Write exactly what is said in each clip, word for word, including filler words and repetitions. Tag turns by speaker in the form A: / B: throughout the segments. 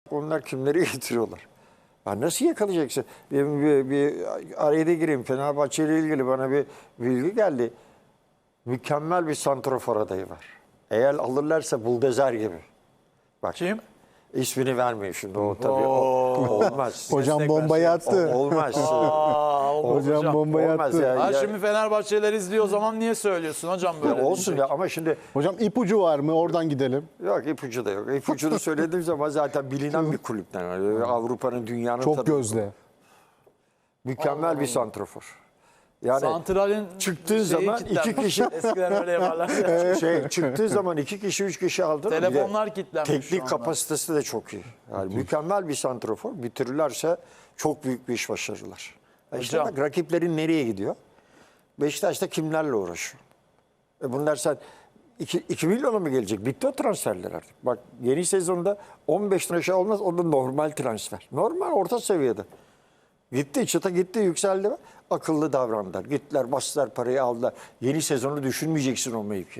A: Onlar kimleri getiriyorlar? Ya nasıl yakalayacaksın? Bir, bir, bir araya da gireyim. Fenerbahçe ile ilgili bana bir bilgi geldi. Mükemmel bir santrafor adayı var. Eğer alırlarsa buldozer gibi. Bak.
B: Kim?
A: İsmini vermeyeyim şimdi. O tabii o, olmaz.
C: Hocam bombayı attı.
A: O, olmaz.
B: Aa, olmaz
C: Hocam
B: hocam.
C: bombayı
A: Olmaz
C: attı.
A: ya.
B: Ha, şimdi Fenerbahçeliler izliyor o zaman niye söylüyorsun hocam böyle?
A: Ya olsun
B: diyecek.
A: ya ama şimdi
C: Hocam ipucu var mı? Oradan gidelim.
A: yok, ipucu da yok. İpucunu söylediğim zaman zaten bilinen bir kulüpten. Yani Avrupa'nın, dünyanın
C: Çok
A: tabii.
C: gözde.
A: Mükemmel bir santrafor. Yani
B: Santral'in
A: çıktığı
B: şeyi
A: zaman
B: kilitlenmiş.
A: iki kişi
B: Eskiden öyle yaparlar. ya.
A: şey çıktığı zaman iki kişi üç kişi aldı. Bir de
B: Telefonlar kilitlenmiş şu
A: teknik
B: anda.
A: kapasitesi de çok iyi. Yani mükemmel bir santrafor. Bitirirlerse çok büyük bir iş başarırlar. E İşte
B: Hocam.
A: bak rakiplerin nereye gidiyor? Beşiktaş'ta kimlerle uğraşıyor? E bunlar sen iki milyona mı gelecek? Bitti o transferler artık. Bak yeni sezonda on beşten aşağı olmaz. O da normal transfer. Normal orta seviyede. Gitti çıta gitti yükseldi. Akıllı davrandılar. Gittiler bastılar parayı aldılar. Yeni sezonu düşünmeyeceksin o mevki.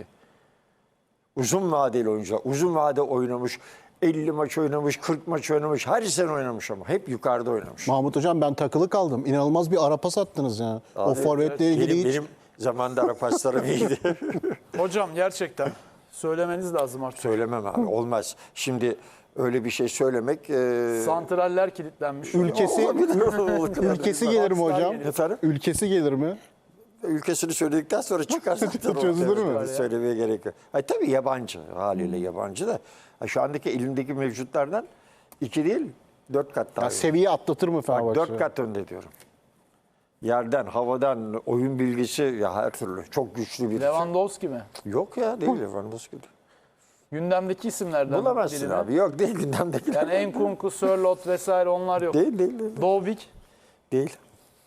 A: Uzun vadeli oyuncular. Uzun vade oynamış. elli maç oynamış, kırk maç oynamış. Her sene oynamış ama. Hep yukarıda oynamış.
C: Mahmut Hocam ben takılı kaldım. İnanılmaz bir ara pas attınız ya. O forvetle ilgili
A: Benim,
C: hiç...
A: benim zamanında ara paslarım iyiydi.
B: Hocam gerçekten söylemeniz lazım artık.
A: Söylemem abi. Olmaz. Şimdi öyle bir şey söylemek... E...
B: Santraller kilitlenmiş.
C: Ülkesi, ülkesi gelir mi hocam?
A: Efendim?
C: Ülkesi gelir mi?
A: Ülkesini söyledikten sonra çıkar zaten.
C: Çözülür mü?
A: ortaya. Söylemeye gerek yok. Ha, tabii yabancı. Haliyle yabancı da. Ha, şu andaki elimdeki mevcutlardan iki değil, dört kat daha.
C: Ya
A: iyi.
C: seviye atlatır mı
A: Bak,
C: Fenerbahçe?
A: dört kat önde diyorum. Yerden, havadan, oyun bilgisi ya her türlü. Çok güçlü bir.
B: Lewandowski mi?
A: Yok ya değil Lewandowski. değil.
B: Gündemdeki isimlerden
A: Bulamazsın
B: birine.
A: abi. Yok değil gündemdekiler.
B: Yani Enkunku, Sörloth vesaire onlar yok.
A: Değil değil değil.
B: Dovbik,
A: Değil.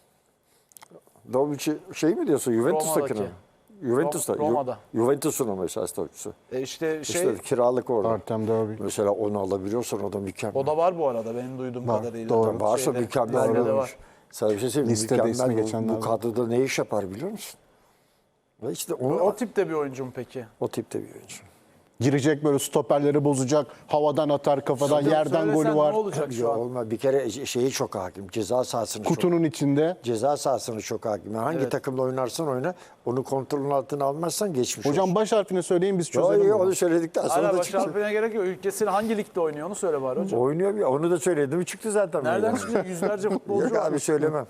A: Dovic'i şey mi diyorsun? Juventus'takini mi?
B: Roma'daki.
A: Juventus'ta.
B: Ro- Roma'da.
A: Ju- Juventus'un ama esas topçusu.
B: e işte şey
A: İşte kiralık orada.
C: Artem Derby.
A: Mesela onu alabiliyorsan o da mükemmel.
B: o da var bu arada benim duyduğum
C: Var,
B: kadarıyla.
C: doğru.
A: Varsa
B: Şeyde,
A: mükemmel
B: listede
A: bir
B: var.
A: oyuncu. Sana bir şey söyleyeyim mi?
C: Listede ismi
A: Mükemmel bu,
C: geçenler
A: bu
C: var.
A: kadroda ne iş yapar biliyor musun? Ve işte onu,
B: O
A: o,
B: tipte bir oyuncu mu peki?
A: o tipte bir oyuncu.
C: Girecek böyle stoperleri bozacak. Havadan atar kafadan
B: Hocam
C: yerden
B: söylesen
C: golü var.
B: Ne olacak şu
A: Ya
B: an?
A: olmaz. Bir kere şeyi çok hakim. Ceza sahasını çok
C: Kutunun içinde.
A: ceza sahasını çok hakim. Yani hangi
B: Evet.
A: takımla oynarsan oyna onu kontrolün altına almazsan geçmiş
C: Hocam
A: olsun.
C: baş harfini söyleyin biz
A: Yo,
C: çözelim.
A: yo,
C: bunu.
A: onu söyledikten sonra
B: Hala
A: da
B: baş
A: çıktı.
B: harfine gerek yok. Ülkesinin hangi ligde oynuyor onu söyle bari hocam.
A: Oynuyor ya. Onu da söyledim. Çıktı zaten.
B: Nereden
A: meydana.
B: çıkıyor? Yüzlerce futbolcu
A: Yok
B: var.
A: abi söylemem.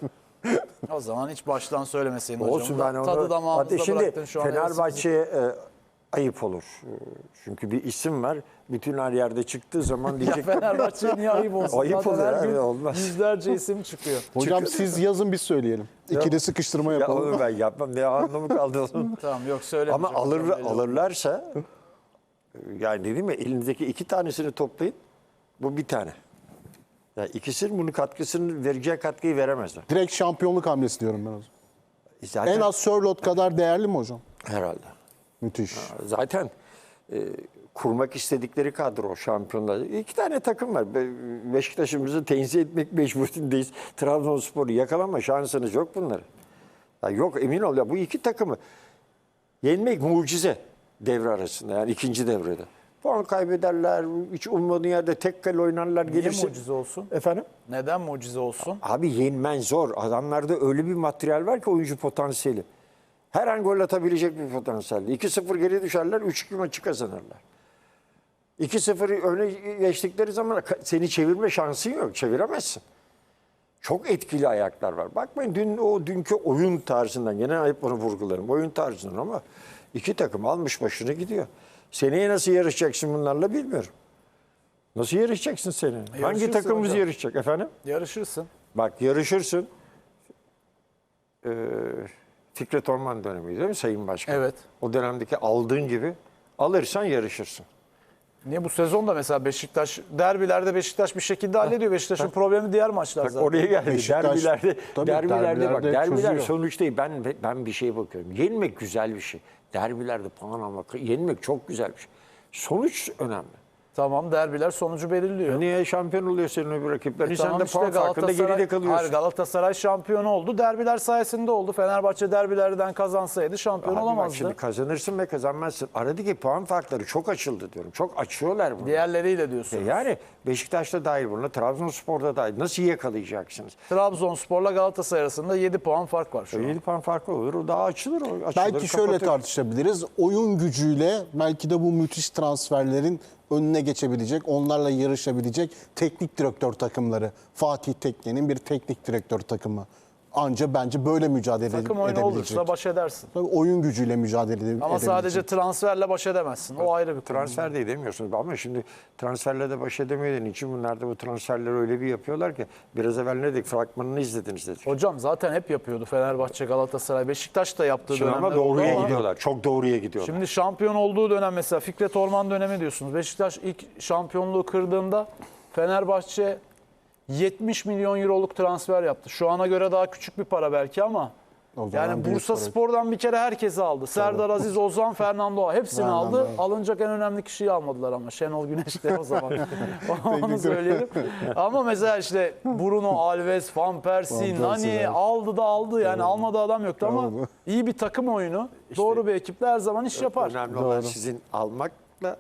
B: O zaman hiç baştan söylemeseydin hocam.
A: Olsun ben onu.
B: Tadı damağımızda
A: Hatta şimdi
B: bıraktın şu an.
A: Fenerbahçe'ye e, ayıp olur. E, Çünkü bir isim var. Bütün her yerde çıktığı zaman
B: Ya
A: diyecek.
B: Fenerbahçe niye ayıp olsun?
A: Ayıp
B: Zaten
A: olur
B: her
A: abi,
B: gün
A: olmaz.
B: yüzlerce isim çıkıyor.
C: Hocam siz yazın biz söyleyelim. İkide sıkıştırma
A: Ya
C: yapalım.
A: onu ben yapmam. Ne anlamı kaldı onun?
B: Tamam yok söyle.
A: Ama alır, alırlarsa yani dedim ya elinizdeki iki tanesini toplayın. Bu bir tane. Yani ikisinin bunun katkısını vereceği katkıyı veremezler.
C: Direkt şampiyonluk hamlesi diyorum ben o zaman.
A: Zaten,
C: En az Sörloth kadar değerli mi hocam?
A: herhalde.
C: Müthiş.
A: Zaten e, kurmak istedikleri kadro şampiyonlar. İki tane takım var. Be- Beşiktaş'ımızı tenzih etmek mecburiyetindeyiz. Trabzonspor'u yakalama şansınız yok bunları. Ya yok emin ol ya bu iki takımı yenmek mucize devre arasında yani ikinci devrede. Puan kaybederler, hiç ummadığın yerde tek kale oynarlar
B: Niye
A: gelirse.
B: mucize olsun?
A: Efendim?
B: Neden mucize olsun?
A: Abi yenmen zor. Adamlarda öyle bir materyal var ki oyuncu potansiyeli. Her an gol atabilecek bir potansiyel. iki sıfır geri düşerler, üç iki maçı kazanırlar. iki sıfır öne geçtikleri zaman seni çevirme şansın yok. Çeviremezsin. Çok etkili ayaklar var. Bakmayın dün o dünkü oyun tarzından, gene hep bunu vurgularım. Oyun tarzından ama iki takım almış başını gidiyor. Seneye nasıl yarışacaksın bunlarla bilmiyorum. Nasıl yarışacaksın seneye? Hangi
B: Yarışırsın
A: takımımız
B: hocam.
A: yarışacak efendim?
B: Yarışırsın.
A: Bak yarışırsın. Ee, Fikret Orman dönemi değil mi Sayın Başkan?
B: Evet.
A: O dönemdeki aldığın gibi alırsan yarışırsın.
B: Niye bu sezon da mesela Beşiktaş derbilerde Beşiktaş bir şekilde hallediyor. Beşiktaş'ın problemi diğer maçlar
A: Bak
B: zaten.
A: oraya geldi.
C: Beşiktaş-
A: derbilerde,
C: Tabii,
A: derbilerde, bak
C: derbilerde
A: derbiler
C: çözüyor.
A: sonuç değil. Ben ben bir şeye bakıyorum. Yenmek güzel bir şey. Derbilerde puan almak, yenmek çok güzel bir şey. Sonuç önemli.
B: Tamam, derbiler sonucu belirliyor.
A: Niye şampiyon oluyor senin öbür rakiplerin?
B: E
A: Sen
B: tamam
A: de
B: işte
A: puan farkında
B: Galatasaray-
A: geride kalıyorsun.
B: Hayır, Galatasaray şampiyon oldu. Derbiler sayesinde oldu. Fenerbahçe derbilerden kazansaydı şampiyon
A: Abi bak
B: olamazdı.
A: şimdi kazanırsın ve kazanmazsın. Aradaki puan farkları çok açıldı diyorum. Çok açıyorlar bunu.
B: Diğerleriyle diyorsun.
A: Yani Beşiktaş'ta dahil buna, Trabzonspor'da dahil. Nasıl yakalayacaksınız?
B: Trabzonspor'la Galatasaray arasında yedi puan fark var şu an.
A: yedi puan farkı olur. O daha açılır. O açılır
C: Belki şöyle
A: kapatır.
C: tartışabiliriz. Oyun gücüyle belki de bu müthiş transferlerin önüne geçebilecek, onlarla yarışabilecek teknik direktör takımları. Fatih Tekke'nin bir teknik direktör takımı. Anca bence böyle mücadele
B: Takım oyunu
C: edebilecek.
B: olursa baş edersin.
C: Tabii oyun gücüyle mücadele edebilecek.
B: Ama sadece transferle baş edemezsin. O ayrı bir konu.
A: Transfer de edemiyorsunuz. Ama şimdi transferle de baş edemediğin için bunlar da bu transferleri öyle bir yapıyorlar ki biraz evvel ne dedik? Fragmanını izlediniz dedik.
B: Hocam zaten hep yapıyordu Fenerbahçe, Galatasaray, Beşiktaş da yaptığı
A: Şimdi
B: dönemler
A: ama doğruya
B: oldu ama
A: gidiyorlar. Çok doğruya gidiyorlar.
B: Şimdi şampiyon olduğu dönem mesela Fikret Orman dönemi diyorsunuz. Beşiktaş ilk şampiyonluğu kırdığında Fenerbahçe yetmiş milyon euroluk transfer yaptı. Şu ana göre daha küçük bir para belki ama
C: O zaman
B: yani
C: büyük
B: Bursa
C: para.
B: Spor'dan bir kere herkesi aldı. Serdar Aziz, Ozan, Fernando Ağa hepsini
C: Fernando
B: aldı.
C: Ağa.
B: Alınacak en önemli kişiyi almadılar ama Şenol Güneş de o zaman. Onu söyleyelim. Ama mesela işte Bruno Alves, Van Persie,
C: Van Persie,
B: Nani
C: evet.
B: aldı da aldı. Yani almadığı adam yoktu ama
C: Tamam.
B: iyi bir takım oyunu. Doğru bir ekiple her zaman iş yapar.
A: Önemli olan sizin almakla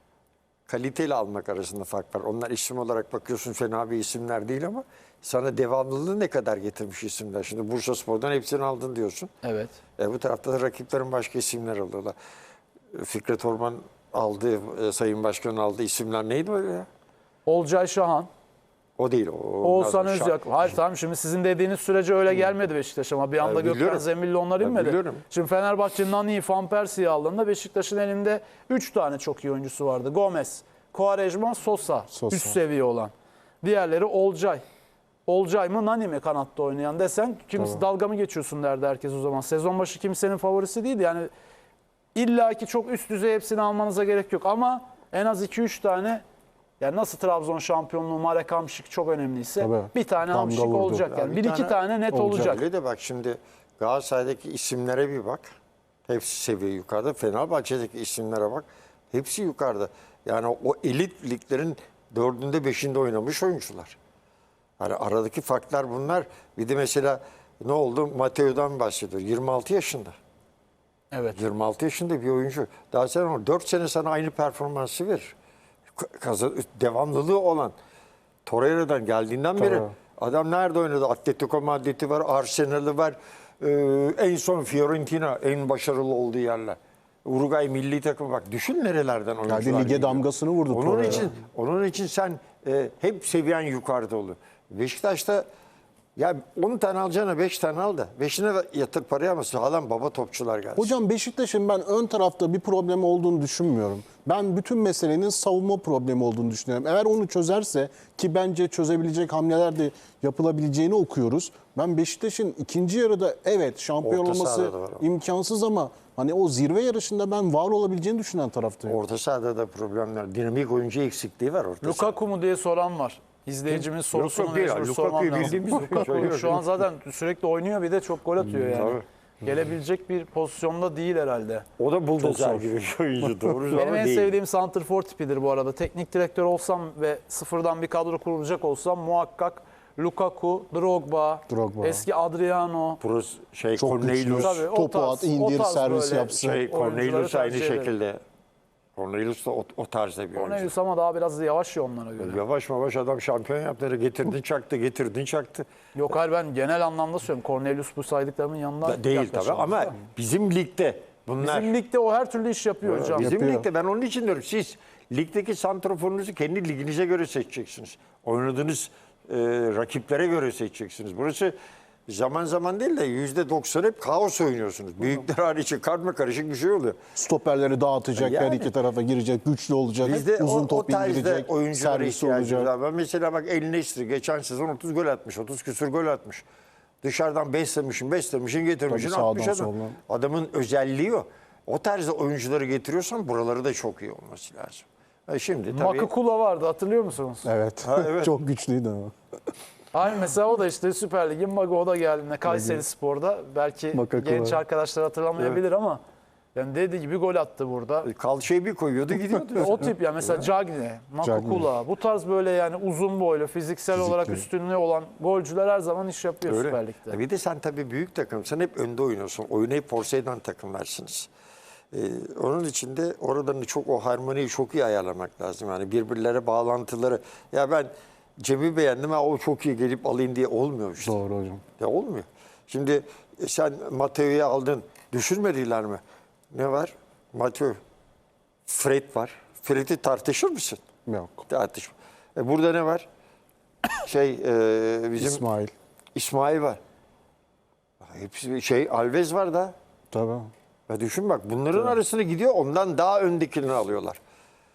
A: kaliteli almak arasında fark var. Onlar isim olarak bakıyorsun fena bir isimler değil ama sana devamlılığı ne kadar getirmiş isimler. Şimdi Bursaspor'dan hepsini aldın diyorsun.
B: Evet.
A: E, bu tarafta da rakiplerin başka isimler alıyorlar. E, Fikret Orman aldı, e, Sayın Başkan aldı isimler neydi öyle ya?
B: Olcay Şahan,
A: O değil. O,
B: Oğuzhan
A: Şah-
B: Özyak. Hayır tamam şimdi sizin dediğiniz sürece öyle gelmedi Beşiktaş ama bir anda
A: Evet,
B: Gökhan
A: biliyorum.
B: Zemilli onlar
A: Evet,
B: inmedi.
A: biliyorum.
B: Şimdi Fenerbahçe Nani'yi, Van Persie'yi aldığında Beşiktaş'ın elinde üç tane çok iyi oyuncusu vardı. Gomez, Quaresma, Sosa,
C: Sosa.
B: üst seviye olan. Diğerleri Olcay. Olcay mı Nani mi kanatta oynayan desen kimse dalga mı geçiyorsun derdi herkes o zaman. Sezon başı kimsenin favorisi değildi. Yani illa ki çok üst düzey hepsini almanıza gerek yok ama en az iki üç tane yani nasıl Trabzon şampiyonluğu Marek Hamšík çok önemliyse
C: Tabii.
B: bir tane
C: Damga
B: Hamšík
C: vurdu.
B: olacak.
A: Ya
B: Yani
A: bir
B: bir iki
A: tane
B: tane net
C: olacak.
B: olacak.
A: Öyle de bak şimdi Galatasaray'daki isimlere bir bak. Hepsi seviye yukarıda. Fenerbahçe'deki isimlere bak. Hepsi yukarıda. Yani o elit liglerin dördünde beşinde oynamış oyuncular. Yani aradaki farklar bunlar. Bir de mesela ne oldu? Mateo'dan bahsediyor. yirmi altı yaşında.
B: Evet.
A: yirmi altı yaşında bir oyuncu. Daha sen onu dört sene sana aynı performansı verir. Kazan, devamlılığı olan. Torreira'dan geldiğinden beri adam nerede oynadı? Atletico Madrid'i var, Arsenal'ı var. Ee, en son Fiorentina en başarılı olduğu yerler. Uruguay milli takımı bak düşün nerelerden oyuncular
C: Yani lige
A: geliyor.
C: damgasını vurdu
A: Onun
C: Torreira.
A: için onun için sen e, hep seviyen yukarıda olur. Beşiktaş'ta ya on tane alacağına beş tane al da beşine de yatır parayı ama sağlam baba topçular gelsin.
C: Hocam Beşiktaş'ın ben ön tarafta bir problemi olduğunu düşünmüyorum. Ben bütün meselenin savunma problemi olduğunu düşünüyorum. Eğer onu çözerse ki bence çözebilecek hamleler de yapılabileceğini okuyoruz. Ben Beşiktaş'ın ikinci yarıda evet şampiyon
A: Orta
C: olması
A: sahada da var ama.
C: imkansız ama hani o zirve yarışında ben var olabileceğini düşünen taraftayım.
A: Orta sahada da problemler. Dinamik oyuncu eksikliği var orta sahada.
B: Lukaku mu diye soran var. İzleyicimiz sorusunu
A: yok değil ya.
B: mecbur
A: Lukaku'yu
B: sormam lazım.
A: bildiğimiz bir
B: Lukaku
A: söylüyorum.
B: şu an zaten sürekli oynuyor bir de çok gol atıyor yani.
A: Tabii.
B: Gelebilecek bir pozisyonda değil herhalde.
A: O da buldozer
C: zor.
A: gibi bir oyuncu. Doğru
B: Benim
A: ama
B: en
A: değil.
B: sevdiğim santrfor tipidir bu arada. Teknik direktör olsam ve sıfırdan bir kadro kurulacak olsam muhakkak Lukaku, Drogba,
C: Drogba.
B: eski Adriano.
A: Pros, şey
C: Çok
A: Cornelius,
C: güçlü.
B: Tabii, o
C: Topu
B: tarz-
C: at, indir,
B: o tarz
C: servis
B: böyle
C: yapsın.
A: şey
B: oyuncuları
A: Cornelius aynı
B: tercih ederim.
A: şekilde. Cornelius da o, o tarzda bir oyuncu.
B: Cornelius ama daha biraz yavaş ya onlara göre.
A: Yavaş yavaş adam şampiyon yaptı. Getirdin çaktı, getirdin çaktı.
B: Yok hayır ben genel anlamda söylüyorum. Cornelius bu saydıklarımın yanında
A: Da- değil tabii
B: yaklaşamaz.
A: ama bizim ligde bunlar.
B: Bizim ligde o her türlü iş yapıyor hocam.
A: Bizim
C: Yapıyor.
A: ligde ben onun için diyorum. Siz ligdeki santraforunuzu kendi liginize göre seçeceksiniz. Oynadığınız e, rakiplere göre seçeceksiniz. Burası zaman zaman değil de yüzde doksan hep kaos oynuyorsunuz. Büyükler hariç karma karışık bir şey oluyor.
C: Stoperleri dağıtacak,
A: Yani.
C: her iki tarafa girecek, güçlü olacak,
A: Bizde
C: uzun
A: o,
C: top
A: o tarzda
C: indirecek,
A: oyunculara
C: servisi
A: ihtiyacımız
C: olacak.
A: var. Ben mesela bak El Nesri geçen sezon otuz gol atmış. otuz küsür gol atmış. Dışarıdan beslemişsin, beslemişsin, getirmişsin,
C: Tabii sağdan,
A: atmış adam.
C: soldan.
A: Adamın özelliği o. O tarzda oyuncuları getiriyorsan buraları da çok iyi olması lazım. E şimdi tabii...
B: Makakula vardı hatırlıyor musunuz?
C: Evet.
A: Ha, evet.
C: Çok güçlüydü ama.
B: Aynı mesela o da işte Süper Lig'in Mago o da geldiğinde Kayseri Spor'da belki
C: Makakula.
B: genç arkadaşlar hatırlamayabilir ama Yani dediği gibi gol attı burada.
A: Kalçayı bir koyuyordu gidiyordu.
B: O tip ya mesela Cagne, Makukula bu tarz böyle yani uzun boylu fiziksel
C: Fizikli.
B: olarak üstünlüğü olan golcüler her zaman iş yapıyor
A: Öyle.
B: Süper Lig'de.
A: E Bir de sen tabii büyük takım. Sen hep önde oynuyorsun. Oyunu hep Porsey'den takımlarsınız. Ee, onun için de oradan çok o harmoniyi çok iyi ayarlamak lazım. Yani birbirlere bağlantıları. Ya ben Cem'i beğendim ha o çok iyi gelip alayım diye olmuyor işte.
C: Doğru hocam.
A: Ya olmuyor. Şimdi e, sen Mateo'yu aldın. Düşürmediler mi? Ne var? Mateo. Fred var. Fred'i tartışır mısın?
C: Yok.
A: Tartışma. E burada ne var? Şey e, bizim
C: İsmail.
A: İsmail var. Hepsi şey Alves var da.
C: Tabii.
A: Ya düşün bak bunların arasına gidiyor ondan daha öndekilerini alıyorlar.